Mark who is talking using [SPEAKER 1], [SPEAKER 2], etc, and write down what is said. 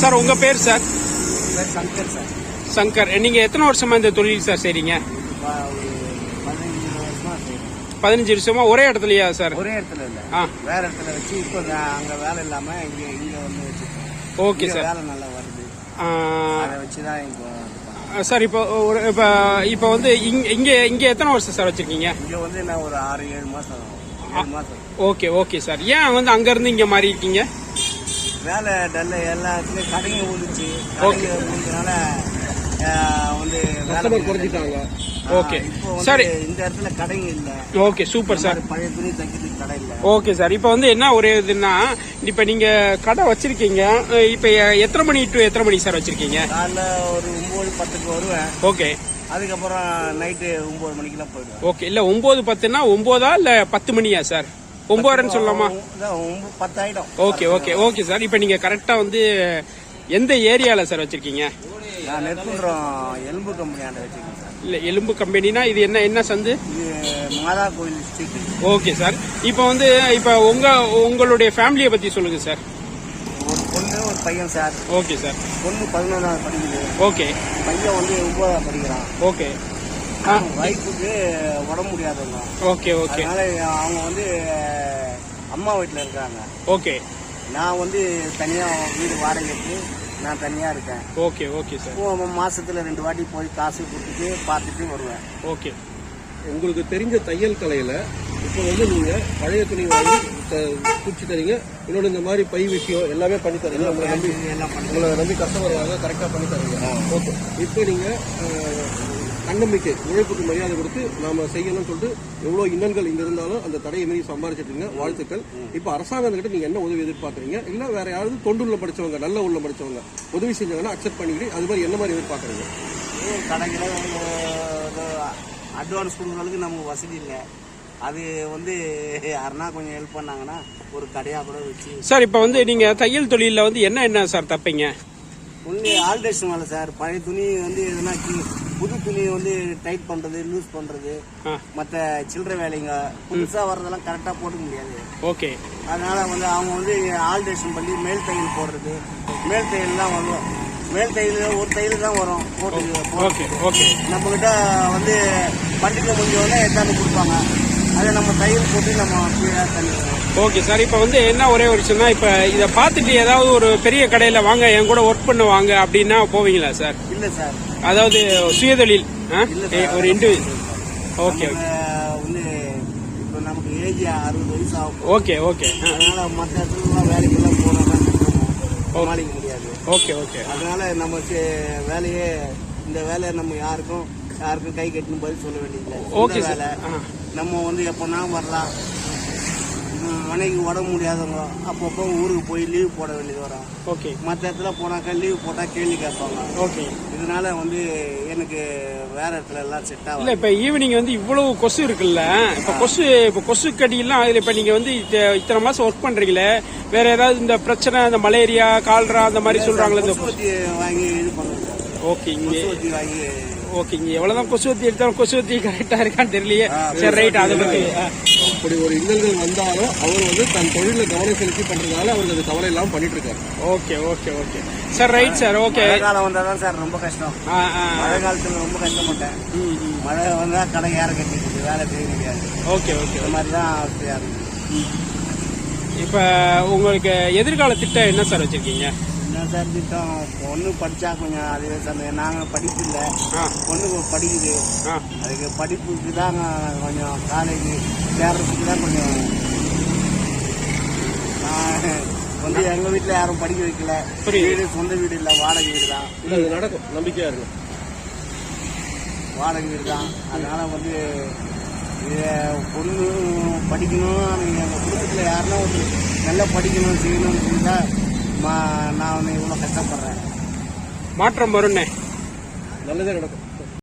[SPEAKER 1] Sir உங்க பேர் sir?
[SPEAKER 2] Shankar sir.
[SPEAKER 1] Shankar. நீங்க எத்தனை வருஷமா இந்த தொழில் சார் செய்றீங்க? 15 வருஷமா ஒரே இடத்துலயா சார்?
[SPEAKER 2] ஒரே இடத்துல இல்ல, வேற இடத்துல வச்சு இப்போ அங்க வேலை இல்லாம இங்க வந்து வச்சிருக்கோம்.
[SPEAKER 1] Okay sir.
[SPEAKER 2] வேலை நல்லா வருது, அதை வச்சுதான் இப்போ
[SPEAKER 1] சார். இப்போ வந்து இங்க எத்தனை வருஷம் சார் வச்சிருக்கீங்க?
[SPEAKER 2] இங்க வந்து நான் ஒரு 6-7 மாசம்.
[SPEAKER 1] Okay okay sir. ஏன் வந்து அங்க இருந்து இங்க மாறி இருக்கீங்க?
[SPEAKER 2] வேலை டல்ல எல்லாத்துலயும் கடைங்க ஊந்துச்சு. கடைங்க ஊந்துனால வந்து வேலை குறைஞ்சிட்டாங்க.
[SPEAKER 1] Okay sir.
[SPEAKER 2] இந்த இடத்துல கடைங்க இல்ல.
[SPEAKER 1] Okay super sir.
[SPEAKER 2] பழைய துணி தைக்கிறதுக்கு கடை இல்ல.
[SPEAKER 1] Okay sir. இப்போ வந்து என்ன ஒரே இதுன்னா, இப்ப நீங்க கடை வச்சிருக்கீங்க, இப்ப எத்தனை மணி டு எத்தனை மணி சார் வச்சிருக்கீங்க?
[SPEAKER 2] காலைல ஒரு 9-10க்கு வருவேன்.
[SPEAKER 1] ஓகே.
[SPEAKER 2] அதுக்கப்புறம் நைட்டு 9 மணிக்கெல்லாம் போயிடுவேன்.
[SPEAKER 1] ஓகே. இல்ல 9-10னா 9 இல்ல 10 மணியா சார்? 9:30 சொல்லலாமா?
[SPEAKER 2] 10 ஆயிடும்.
[SPEAKER 1] Okay okay okay sir. இப்ப நீங்க கரெக்டா வந்து எந்த ஏரியால சார் வச்சிருக்கீங்க?
[SPEAKER 2] நான் நெற்குன்றம் எலும்பு கம்பெனி ஆண்ட வச்சிருக்கேன் சார்.
[SPEAKER 1] இல்ல எலும்பு கம்பெனினா இது என்ன சந்து?
[SPEAKER 2] இது மாதா கோயில் ஸ்ட்ரீட்.
[SPEAKER 1] Okay sir. இப்போ வந்து உங்களுடைய ஃபேமிலியை பத்தி சொல்லுங்க சார்.
[SPEAKER 2] ஒரு பொண்ணு ஒரு பையன் சார்.
[SPEAKER 1] Okay sir.
[SPEAKER 2] பொண்ணு 11வது படிக்குது.
[SPEAKER 1] ஓகே.
[SPEAKER 2] பையன் வந்து 9வது படிக்கிறான்.
[SPEAKER 1] ஓகே.
[SPEAKER 2] வைஃபுக்கு உடம்பு முடியாதவங்க.
[SPEAKER 1] Okay okay.
[SPEAKER 2] அதனால அவங்க வந்து அம்மா வீட்டில் இருக்காங்க.
[SPEAKER 1] ஓகே.
[SPEAKER 2] நான் வந்து தனியா வீடு வாடகைக்கு நான் தனியா இருக்கேன்.
[SPEAKER 1] Okay okay sir.
[SPEAKER 2] மாசத்துல 2 வாட்டி போய் காசு கொடுத்துட்டு பார்த்துட்டு வருவேன்.
[SPEAKER 1] ஓகே.
[SPEAKER 3] உங்களுக்கு தெரிஞ்ச தையல் கலையில இப்போ வந்து நீங்க பழைய துணி வாங்கி குச்சி தரீங்க, இன்னொன்று இந்த மாதிரி பை விஷயம் எல்லாமே பண்ணி தரீங்க. உங்களை நம்பி கஸ்டமர் வாங்க கரெக்டா பண்ணி தரீங்க. ஓகே. இப்போ நீங்க தன்னம்பிக்கை, உழைப்புக்கு மரியாதை கொடுத்து நாம செய்யணும்னு சொல்லிட்டு எவ்வளவு இன்னல்கள் இங்க இருந்தாலும் அந்த தடையை மீறி சம்பாதிச்சிட்டு இருக்கீங்க. வாழ்த்துக்கள். இப்ப அரசாங்கத்துக்கிட்ட நீங்க என்ன உதவி எதிர்பார்க்கறீங்க? இல்ல வேற யாராவது தொண்டுள்ள படிச்சவங்க, நல்ல உள்ள படிச்சவங்க உதவி செஞ்சாங்கன்னா அக்செப்ட் பண்ணிக்கிட்டு அது மாதிரி என்ன மாதிரி எதிர்பார்க்கறீங்க?
[SPEAKER 2] கடைகளை அட்வான்ஸ் கொடுக்கறதுக்கு நமக்கு வசதி இல்லை. அது வந்து யாருன்னா கொஞ்சம் ஹெல்ப் பண்ணாங்கன்னா ஒரு கடையா கூட வச்சு.
[SPEAKER 1] சார் இப்ப வந்து நீங்க தையல் தொழில வந்து என்ன சார் தப்பீங்க?
[SPEAKER 2] ஒன்லி ஆல்ட்ரேஷன் வேலை சார். பழைய துணி வந்து எதுனா புது துணி வந்து டைட் பண்றது, லூஸ் பண்றது, மற்ற சில்லறை வேலைங்க புதுசா வர்றதெல்லாம் கரெக்டா போட முடியாது.
[SPEAKER 1] ஓகே.
[SPEAKER 2] அதனால வந்து அவங்க வந்து ஆல்ட்ரேஷன் பண்ணி மேல் தையல் போடுறது. மேல் தையல் தான் வரும். மேல் தையல் ஒரு தையல் தான் வரும் போட்டு. நம்ம கிட்ட வந்து பண்டிகை முடிஞ்சோடனே எடுத்தாந்து கொடுப்பாங்க. அதை நம்ம தையல் போட்டு நம்ம பண்ணிடுவோம்.
[SPEAKER 1] Okay sir. இப்ப வந்து என்ன ஒரே ஒரு விஷயம் தான், இப்ப இதை பார்த்துட்டு ஏதாவது ஒரு பெரிய கடையில வாங்க என் கூட ஒர்க் பண்ணுவாங்க அப்படின்னா போவீங்களா சார்?
[SPEAKER 2] இல்ல சார்.
[SPEAKER 1] அதாவது சுயதொழில் ஒரு இண்டிவிஜுவல். Okay okay.
[SPEAKER 2] வந்து இப்போ நமக்கு ஏஜ் 60 வயசு ஆகும்.
[SPEAKER 1] Okay okay.
[SPEAKER 2] அதனால மற்ற இடத்துல வேலைக்கெல்லாம் போனோம்னா சமாளிக்க முடியாது.
[SPEAKER 1] Okay okay.
[SPEAKER 2] அதனால நம்ம வேலையே இந்த வேலையை நம்ம யாருக்கும் கை கட்டணும் பதில் சொல்ல வேண்டியதில்லை. ஓகே வேலை நம்ம வந்து எப்போனா வரலாம். மனைக்கு உடம்பு முடியாதவங்க அப்பப்போ ஊருக்கு போய் லீவ் போட வேண்டியது வரும்.
[SPEAKER 1] ஓகே.
[SPEAKER 2] மற்ற இடத்துல போனாக்கா லீவ் போட்டா கேள்வி கேட்பாங்க.
[SPEAKER 1] ஓகே.
[SPEAKER 2] இதனால வந்து எனக்கு வேற இடத்துல எல்லாம் செட் ஆகும்.
[SPEAKER 1] இல்ல இப்ப ஈவினிங் வந்து இவ்வளவு கொசு இருக்குல்ல, இப்ப கொசு கடியெல்லாம் இதுல இப்ப நீங்க வந்து இத்தனை மாசம் ஒர்க் பண்றீங்களே, வேற ஏதாவது இந்த பிரச்சனை, இந்த மலேரியா, கால்ரா அந்த மாதிரி சொல்றாங்களே, இந்த
[SPEAKER 2] கொசுவத்தி வாங்கி இது பண்ணுங்க.
[SPEAKER 1] ஓகே. இங்க
[SPEAKER 2] வாங்கி
[SPEAKER 1] ஓகே. இங்க எவ்வளவுதான் கொசுவத்தி எடுத்தாலும் கொசுவத்தி கரெக்டா இருக்கான்னு தெரியலையே. சரி ரைட். அதை பத்தி
[SPEAKER 3] அப்படி ஒரு இன்னல்கள் வந்தாலும் அவர் வந்து தன் தொழில கவனம் செலுத்தி பண்றதுனால அவருக்கு அது கவலை இல்லாம பண்ணிட்டு இருக்காரு.
[SPEAKER 1] Okay okay okay sir. Right sir. Okay.
[SPEAKER 2] மழை காலம் வந்தாதான் சார் ரொம்ப கஷ்டம். மழை காலத்துல ரொம்ப கஷ்டப்பட்டேன். மழை வந்தா கடை ஏற கட்டிட்டு வேலை செய்ய முடியாது.
[SPEAKER 1] Okay okay.
[SPEAKER 2] இந்த மாதிரிதான்.
[SPEAKER 1] இப்ப உங்களுக்கு எதிர்கால திட்டம் என்ன சார் வச்சிருக்கீங்க?
[SPEAKER 2] என்ன சார் திட்டம்? பொண்ணு படிச்சா கொஞ்சம் அதுவே சந்தேகம். நாங்க படிப்பு இல்லை, பொண்ணு படிக்குது. அதுக்கு படிப்புக்கு தான் கொஞ்சம் காலேஜ் சேர்றதுக்கு தான் கொஞ்சம் வந்து எங்க வீட்டுல யாரும் படிக்க வைக்கல. வீடு சொந்த வீடு இல்ல, வாடகை வீடு தான்.
[SPEAKER 3] நடக்கும், நம்பிக்கையா இருக்கும்.
[SPEAKER 2] வாடகை வீடு தான். அதனால வந்து பொண்ணு படிக்கணும், எங்க குடும்பத்துல யாருன்னா ஒரு நல்லா படிக்கணும் செய்யணும்னு சொல்லிட்டா நான் வந்து இவ்வளவு கஷ்டப்படுறேன்.
[SPEAKER 1] மாற்றம் வரும்னே.
[SPEAKER 3] நல்லதே நடக்கும்.